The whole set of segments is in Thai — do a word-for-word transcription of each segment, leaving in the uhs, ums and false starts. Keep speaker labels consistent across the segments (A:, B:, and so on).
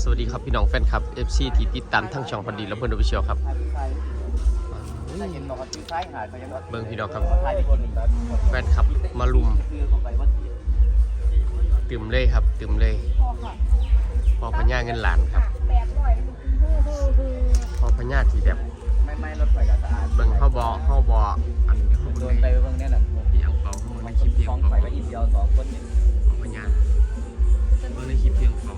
A: สวัสดีครับพี่น้องแฟนคลับ เอฟ ซี ที่ติดตามทั้งช่องพอดีและเพื่อนออฟฟิเชียลครับเบิ่งพี่น้องครับแฟนคลับมาลุมตื่มเลยครับตื่มเลยพอพญาเงินหลานครับพอพญาที่แบบเบิ่งเข้าบอเข้าบออันนี้เขาโดนไปเบิ่งแน่นอนที่อังเปาเขาในคลิปที่อังเปาพญาเบิ่งในคลิปที่อังเปา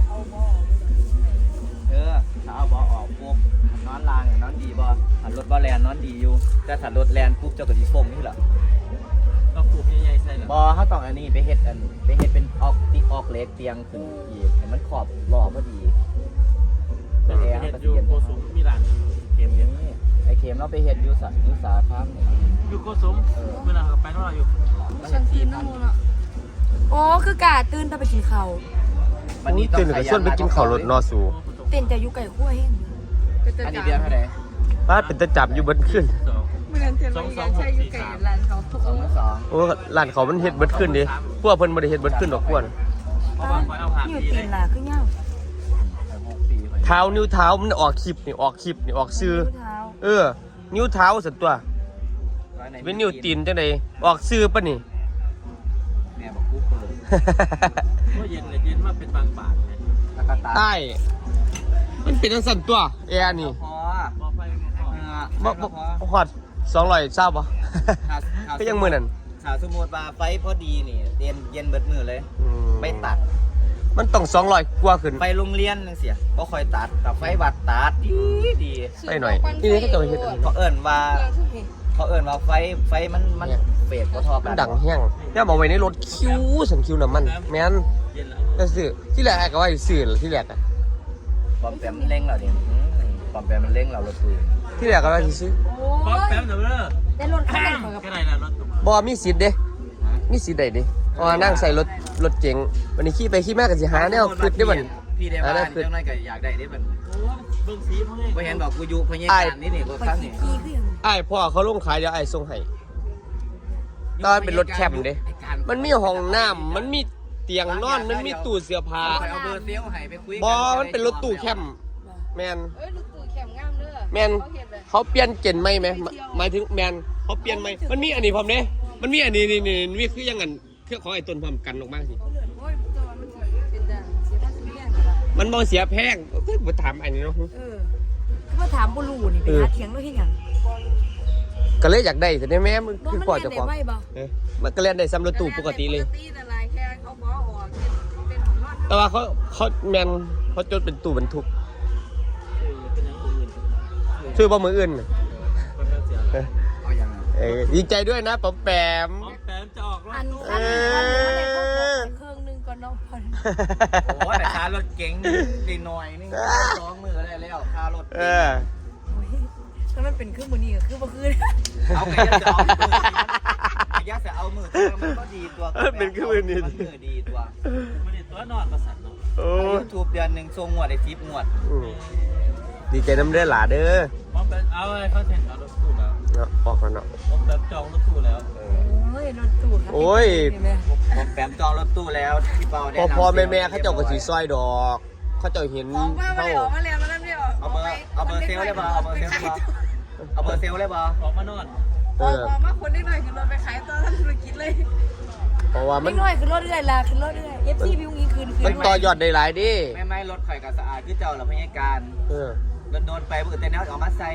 B: เออถ้าเอาบอออกปุ๊บนอนลางนอนดีบอถัดรถบอแลนนอนดีอยู่แต่ถัดรถแลนปุ๊บเจ้าก็ดีฟงนี่แหละ
C: ก็ปลูกใหญ่ๆใส่หรอบ
B: อเขาต้องอันนี้ไปเฮ็ดอันไปเฮ็ดเป็นออกติออกเล็กเตียงขึ้นอีกให้มันขอบหล่อพอดีแต่แอร์
C: เฮ็ด
B: ก็
C: อยู่
B: เย็น
C: โกสุมมีร้านเกมเฮ็ด
B: ไอเข็มเราไปเฮ็ดอยู่สัตว์นิสาข้ามเนี่ย
C: อยู่โกสุมเวลาไปก็รออยู่
D: ฉันตื่นน้ำมูลอ่ะโอ้คือกาตื่นแต่ไปกินข้าว
B: วันนี้ต้อง
A: ตื่นกับส่วนไปกินข้าวรถนอสู
D: เต้นแต่อยู่ไก่ขั้วเฮง
B: อันนี้เดือนเท่าไหร่
A: บ้านเป็นตะจับอยู่เบิดขึ้น
C: สองสองสองหกสี่สาม
B: สองสอง
A: โอ้ร้านเขามันเฮ็ดเบิดขึ้นดิพวกเพิ่นบ่ได้เฮ็ดเบิดขึ้นดอกพวก
C: เพราะว่าคอยเอาผ่าน
D: อยู่
C: ดี
D: ตี
C: เลย
D: นล่ะคือเงา
B: หกปี
A: เท้านิ้วเท้ามันออกคลิปนี่ออกคลิปนี่ออกชื่อ
D: เท้า
A: เออนิ้วเท้าสันตัวเป็นนิ้วตีนจังได๋ออกชื่อปะนี่
B: แม่บอกกูเปิด
C: เมื่อเย็นเลยเย็นมาเป็นบางบาทเลย
B: แล้วก็ตา
A: ใต้มันเป็นจังซั่นตัวแอร์นี่
B: พอ
C: พอไฟมันพอ
A: บ่บ่ฮอดสองร้อยทราบบ่ ก็ยังมื้อนั้น
B: ถ้าสมมุติว่าไฟพอดีนี่เย็นเย็นเบิดมือเลย
A: อืม
B: ไม่ตัด
A: มันต้องสองร้อยกว่าขึ้น
B: ไฟโรงเรียนจังเสียบ่ค่อยตัดแต่ไฟวัดตัดดีดี
A: ไปหน่อยนี่นี่ก็จะไปเฮ็ดอันนี้
B: เขาเอิ้นว่าเขาเอิ้นว่าไฟไฟมันมันเฟดบ่เทอ
A: มั
B: กัน น
A: ดังแห้งเนี่ยเอาไว้ในรถคิวสังคิวน้ำมันแม่น
C: เย็นแล้ว
A: แล้วซื้อที่แรกก็ว่าสิซื้อที่แรกอะ
B: ปอมแปมมันเร่งเราดิอืมปอมแปมมันเร่งเรารถตู้
A: ที่แรกก็ว่าสิซื้อ
C: ป๊อปแป๊บเดี๋ยวเด้อ
D: ได้รถคันไหนของกับ
C: แค่ไหนล่ะรถ
A: บ่มีสิทธิ์เด้มีสิทธิ์ได้เด้เพราะว่านั่งใส่รถรถเก๋งวันนี้ขี่ไปขี่มาก็สิหาแนวคิดได้บ่น
B: พี่ได้ว่านี่จังได๋ก็อยากได้เด้บัด
C: โอ้เบิ่งสีพวกนี้
B: บ่เห็นบอกกูอยู่พยาการนี่นี่กู
D: ไป
B: ฟัง
D: ขี่
B: นี่
D: ขี้คืออย่าง
A: อ้ายพ่อเขาลงขายเดี๋ยวอ้ายส่งให้ตอนเป็นรถแคมป์เด้มันมีห้องน้ำมันมีเตียงนอนมันมีตู้เสื้อผ้า
B: เอาเบอร์เซลให้ไปคุย
A: บ่มันเป็นรถตู้แคมป์แม่น
D: เอ้ยลูกตู่แข็มงามเด้อ
A: แมนเขาเปลี่ยนเจนไหมไหมหมายถึงแมนเขาเปลี่ยนไหมมันมีอันนี้พร้อมเด้มันมีอันนี้นี่นี่นี่คือยังไงเครื่องของไอ้ต้นพร้อมกันออกมาสิ
D: โอ้ยตัวมันเป็นดังเสียภาษีแพงเหรอ
A: มันบ่เสียแพงเอ้ยบ่ถามอันนี้เนาะ
D: เออคือมาถามบ่รู้นี่ไปหาเถียงด้วยเฮ็ดหยัง
A: ก็เลยอยากได้แต่ได้แม่มัน
D: บ่
A: คือ
D: มัน
A: พ่อ
D: เรียน
A: เจ้า
D: ได้
A: ของ
D: ไว้บ่
A: เออมันก็เล่นได้ซ้ำรถตู้ปกติเลย
D: ปกตินั่นแหละแค่เขาบ่ออกเป็นเป็นของนอน
A: แต่ว่าเขาเขาแมนเขาจดเป็นตู้บรรทุก
C: เป็นอย่างอื่น
A: ชื่อบ่มืออื่น
C: มันเป็นเสีย
A: เออ
B: เอาอย่างนั้น
A: เออดีใจด้วยนะป๋อมแปม
C: ป๊อปแป๊บจะออกร
D: อั
C: ถ
D: นคันคันนึงมันได้เข้าของเครื่องนึงก่อนเนาะพอ
B: โอ้แต่ค่ารถเก๋งดีหน่อยนี่สองมือได้แล้วค่ารถ
A: เออ
D: ถ้ามันเป็นเครื่องมือนี้ก็คือบ่คือ
B: เอาไปยัดจะเอามือยัดจะเอามือมันก็ดีตัวมันมือดีตัว
C: ไม่ได้ตัวนอนประสานเนาะ
A: โอ้
B: ยูทูบเดือนหนึ่งทรงงวดไอ้ทิปงวด
A: อืมดีใจน้ำเด้อหลาเด้อ
C: ป๊อปแป๊บเอาไอ้เขาเซ็นเอารถตู้แล้ว
A: เนาะออกแล้วเนาะ
C: ป๊อปแป๊บจองรถตู้แล้ว
D: โอ้ยรถตู้ครับ
A: โอ้ย
B: ผมแปมจองรถตู้แล้วพี่เปาได้
A: พอพอแม่แม่เขาเจ้าก็สีซอยดอก เขาเจ้าเห็น
D: ออกมาไม่
A: เขา
D: ได้ออกมาแล้วแล้วนี่ออก
B: เอาเบอร์เอาเบอร์เซลได้ป่ะเอาเบอร์เซลได้ป่ะเอาเบอร์เซลได้ป่ะ
C: ออกมานอน
A: เอ
D: ออก
A: อ
D: มาคนนิดหน่อยคือรถไปขายตอนทำธุรกิจเลย
A: เพราะว่ามั
D: นิ
A: น
D: ดหน่อยคือรถเรื่อยละคือรถเรื่อย เอฟ ซี วิวงี้คืนคื
A: มัน
D: น
A: ต่อยอดได้หลายดิ
B: ไม่ไม่รถข่อยกับสะอาดคือเจ้าหรอพยาการ
A: เออ
B: โดนโดนไปเบื่อแต่แนวออกมาใส่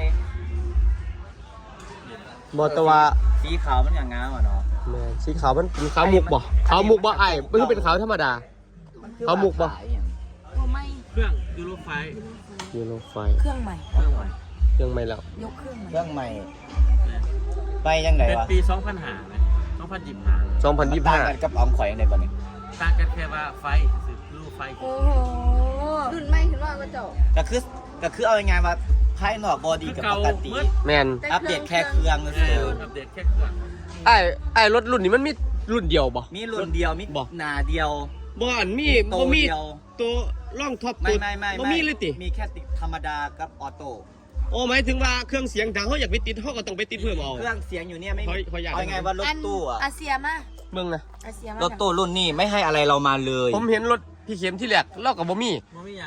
A: บอตว่า
B: สีขาวมันอย่างงามอ่ะเนาะ
A: แม่นสีขาวมันเป็นขาวมุกบ่ขาวมุกบ่ไอ้ไม่ใช่เป็นขาวธรรมดา เอาหมุกปะ
D: โอ้ไม่
C: เครื่องยูโรไฟ
A: ยูโรไฟ
D: เครื่องใหม่
C: เครื่องใหม่
A: ยังไม่แล้ว
D: ยกเครื่องใหม่
B: เครื่องใหม่ไปยังไง
C: เป็น
B: วะ
C: ปีสองพันห้าไหมสองพันยี่สิบห้า
A: สองพันยี่สิบ
B: ต่าง
A: ห้า
B: กันกับออมข่อยยังไงป่ะเนี่ย
C: ต่างกันแค่ว่าไฟสืบรูไฟ
D: โอ้โหรุ่นใหม่คือว่าก็เจ้า
B: ก็คือก็คือเอายังไงว่าภายนอกบอดี้กับปกติ
A: แมน
B: อัปเดตแค่เครื่องก็
C: เอ
B: คือ
C: ออัปเดตแค่เครื่อง
A: ไอ้ไอ้รถรุ่นนี้มันมีรุ่นเดียวบ่
B: มีรุ่นเดียวมี
A: บอก
B: หนาเดียว
A: บ่อันมี
B: โต
A: บ่มี
B: เดียว
A: ตัวร่องท็อป
B: ไม่
A: ตัว
B: ไม่ไม่
A: บ่มีเลยติ
B: มีแค่ติดธรรมดากับออโต้
A: โอ้หมายถึงว่าเครื่องเสียงดังเขาอยากไปติดเขาก็ต้องไปติดเพิ่มเอา
B: เครื่องเสียงอยู่เนี่ยไม่
A: ขอ
B: มี
A: ขออยาก
B: เอาไงว่ารถตู้อะ
D: อาเซียมา
A: มึงนะ
D: อาเซียมาร
B: ถตู้รุ่นนี้ไม่ให้อะไรเรามาเลย
A: ผมเห็นรถพี่เข็มที่แรกเรากับบ่มี
C: มันไม่ยัง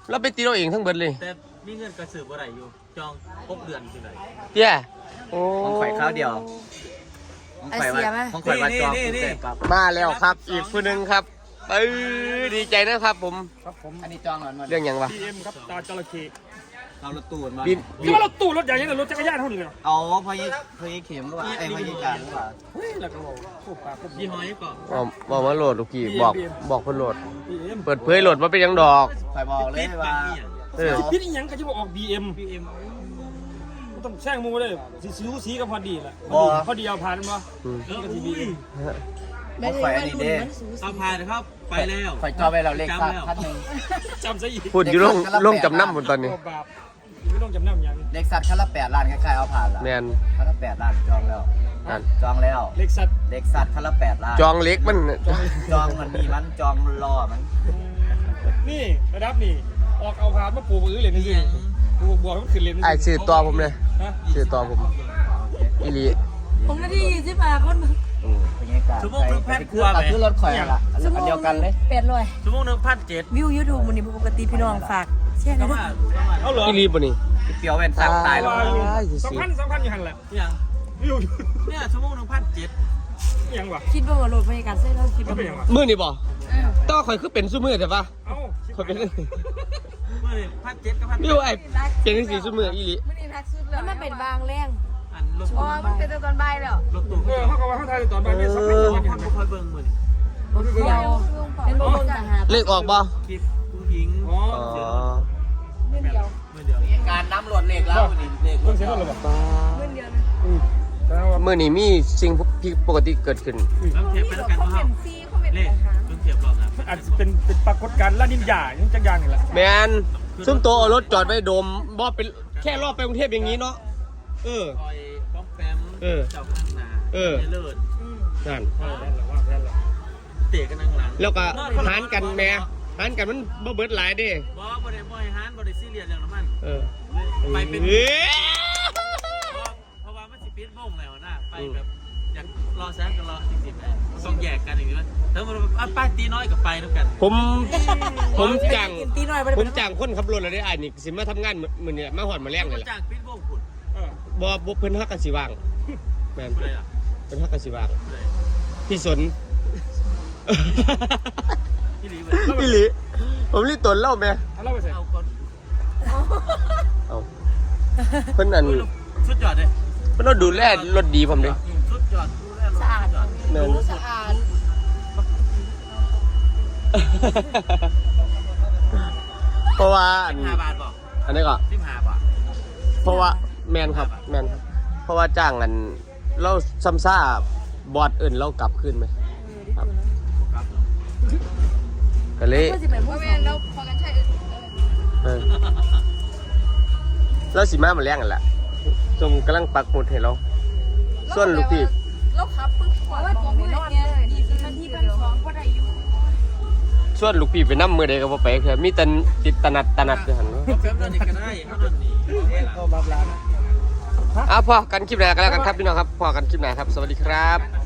A: เราไปตีเราเองทั้งเบิดเลย
C: แต่มีเงินกระสือบ่ได้อยู่จองหกเดือนที่ไหน
A: เตี้ยโอ้
B: ของข่อยข้าวเดียวของข่อยว่าของข่อยว่าจองเสร็จปั๊บ
A: มาแล้วครับอีกคนหนึ่งครับเออดีใจนะครับผม
E: ครับผม
B: อันนี้จองหน่อย
A: เรื่องหยังวะ
E: บี เอ็มครับตาจระเข้
B: เรารถตู้มา
A: บินบิ
E: จะ
A: น
E: ว่ารถตู้รถใหญ่ยังไงรถจักรยานเท่านี้เลยเหรอ
B: เอาพอยี่พอยี่เข็มหรือว่าไอ้พอยี่การหรือว่า
E: เฮ้ยแล้วก็บอกโคตรปากโคตร
C: ยี่ห้อนี้ก่อน
A: บอกบอกมาโหลดลูกพี่บอกบอกเพิ่นโหลด
E: บีเอ็ม
A: เปิดเผยโหลดมาเป็นหยังดอก
B: ข่อยบอกเลยว่า
A: เออ
E: พี่นี่ยังก็จะบอกออก บี เอ็ม
C: พีเอ็ม
E: ต้องแช่งมูเลยสีสีสีก็พอดีแหละพอดีเอาผ่านมั้ย
A: อืม
C: เออ
E: ก็
C: อุ้
E: ทีบี
C: ย
E: เอ็ม
B: ของข่อยอันนี้เด้
C: เอาพายนะครับไปแล้ว
B: ข่อยจองไปเราเลขสัตว์พันหนึ่ง
E: จำซะอีก
A: พูดอยู่ลงลงจำนำหมดตอนนี้
E: โอ้บาปไม่ต้องจำนำยัง
B: เลขสัตว์คันละแปดล้านคล้ายๆเอาผ่านละ
A: แมน
B: คันละแปดล้านจองแล้ว
A: นั่น
B: จองแล้ว
E: เล็กสัตว์
B: เลขสัตว์คันละแปดล้าน
A: จองเล็กมัน
B: จองมันมีมันจองรอมัน
E: นี่ระดับนี่ออกเอาผ่านมาปลูกมือเลยนี่สิปลูกบัวมันขึ้นเลย
A: ไอ้สื่อตัวผมเลย
E: ฮะ
A: สื่อตัวผมอีหลี
D: ผมนาทียี่สิบห้าคน
B: เออเป็นไงกันคือรถข่อยละอันเดียวกันเลย
D: แปดร้อย
C: ชั่วโมงหนึ่งพันเจ็ด
D: วิวยูทูบมันนี่ปกติพี่น้องฝากแชร์ห
C: ก็
D: นะ
C: ว่า
E: เอาเหรอ
A: อีหลีป่ะนี่
B: เปียวเป็นสักตายแล้ว
E: สองพันสองพันอยู่หันแหละ
C: อย่าง
E: อยู่
C: เนี่ยชั่วโมงหนึ่งพันเจ็ด
E: ยังวะ
D: คิดว่าโหลดบรรยากาศเส้นเราคิด
E: ก็
D: ว่า
E: เป็นยังวะ
A: มือนี่บ่ต้องข่อยคือเป็นซุมือแต่ปะ
E: เอ้า
A: ข่อยเป็น
C: เมื่อพันเจ็ดกับพัน
A: วิวไอ้เป็นสีซุมืออีหลี
D: แล้วมันเป็นบางแรง
C: อันรถ
D: อ๋อมันเป็นตอนบ่ายแล้ว
C: รถตู้
E: เออเขาก็ว่าเขาทายตอนบ่ายนี่สองพันสองพัน
C: พันบุคอยเบิ้งมือนี่
D: เดียวเป็นบางต่างหาก
A: เลขออกบ่
C: คลิปผู้หญิง
E: อ๋อ
A: อ๋อ
C: เมื่อเดียว
B: การน้ำรวดเลขแล้วนี่เลข
E: เพิ่งเสร็จแล้วหรอปะ
D: เงินเดียว
E: อืมแต่ว่า
A: มือนี่มีสิ่งผิดปกติเกิดขึ้น
C: ต้องเทียบไปแล้วกันว่าเฮาเลขต้องเทียบรอบนะ
E: อาจจะเป็นเป็นปรากฏการณ์ละนินยาอย่างจักอย่างนี่แหละ
A: แมนซุ่มโตเอารถจอดไว้โดมบ่เป็นแค่รอบไปกรุงเทพอย่างนี้เนาะเออ
C: คอยป้อมแปม
A: เออ
C: เจ้าข้างหน้า
A: เออ
C: เลิศ
A: นั่น
E: เออนั่นแหละว่านั่นแหละ
C: เตะกันนั่งหลัง
A: แล้วก็หารกันแหม่หารกันมันบ่เบิดหลายเด้
C: บ่บ่ได้บ่ให้หานบ่ได้ซีเรียสเรื่องน้ำมัน
A: เออ
C: ไปเป็น
A: เอ้ย
C: เพราะว่ามันสิปิดวงแล้วนะไปแบบอยากรอแซงกันรอจริงๆนะต้องแยกกันอย่างนี้มั้ยถ้ามันอ่ะป้าตีน้อยกับไปด้วยกัน
A: ผมผมจ้าง
D: ตีหน่อยไป
A: ผมจ้างคนขับรถแล้วได้อ้ายนี่สิมาทำงานมื้อนี้มาฮอดมาแรงเลยล่ะ
C: จากปิดวงพุ่น
E: เออ
A: บ่บ่เพิ่นฮักกันสิว่างแม่น
C: ผู้ใดล่ะ
A: เพิ่นฮักกันสิว่าง
C: ผู้ใด
A: พี่สน
C: ที่รีบ
A: พี่หลีผมรีตนเล่าแม่
E: เอาเล่าไปเสร็จ
C: เอาก่อน
A: เอาเพิ่นอัน
C: สุดยอดเลย
A: เพิ่นเอาดูแลรถดีผมเด้
C: สุดยอดดูแลรถ
D: สะอาด
A: แม่น
D: สะอาด
A: เพราะว่าอัน
C: ห้าบาทบอก
A: อันนี้ก็
C: สิบห้าบาท
A: เพราะว่าแมนครับแมนครับเพราะว่าจ้างกันเราซ้ำซ่าบอดอื่นเรากลับคืนไหมครับ
C: ครับ
A: ก็เลย
D: เพื่อสิไปพูดแล้วพอกันใช่
A: เออเราสิมามาแรงกันแหละจงกำลังปักหมุดให้เราส่วนลูกพี่
D: แล้วขับปึ๊บว่าตัวไม่นอนเลยดีสิมันที่พันสองก็ได้อยู่
A: ส่วนลูกพี่ไปนั่มือใดก็บ่ไปคือมีแต่ติดตนัดตนัดอยู่หั่น
C: ก็แป๊บเดียวนี่ก็ได้เขาโดนหนี
E: ก็บาปลานะ
A: อ่ะพอกันคลิปไหนกันแล้วกันครับพี่น้องครับพอกันคลิปไหนครับสวัสดีครับ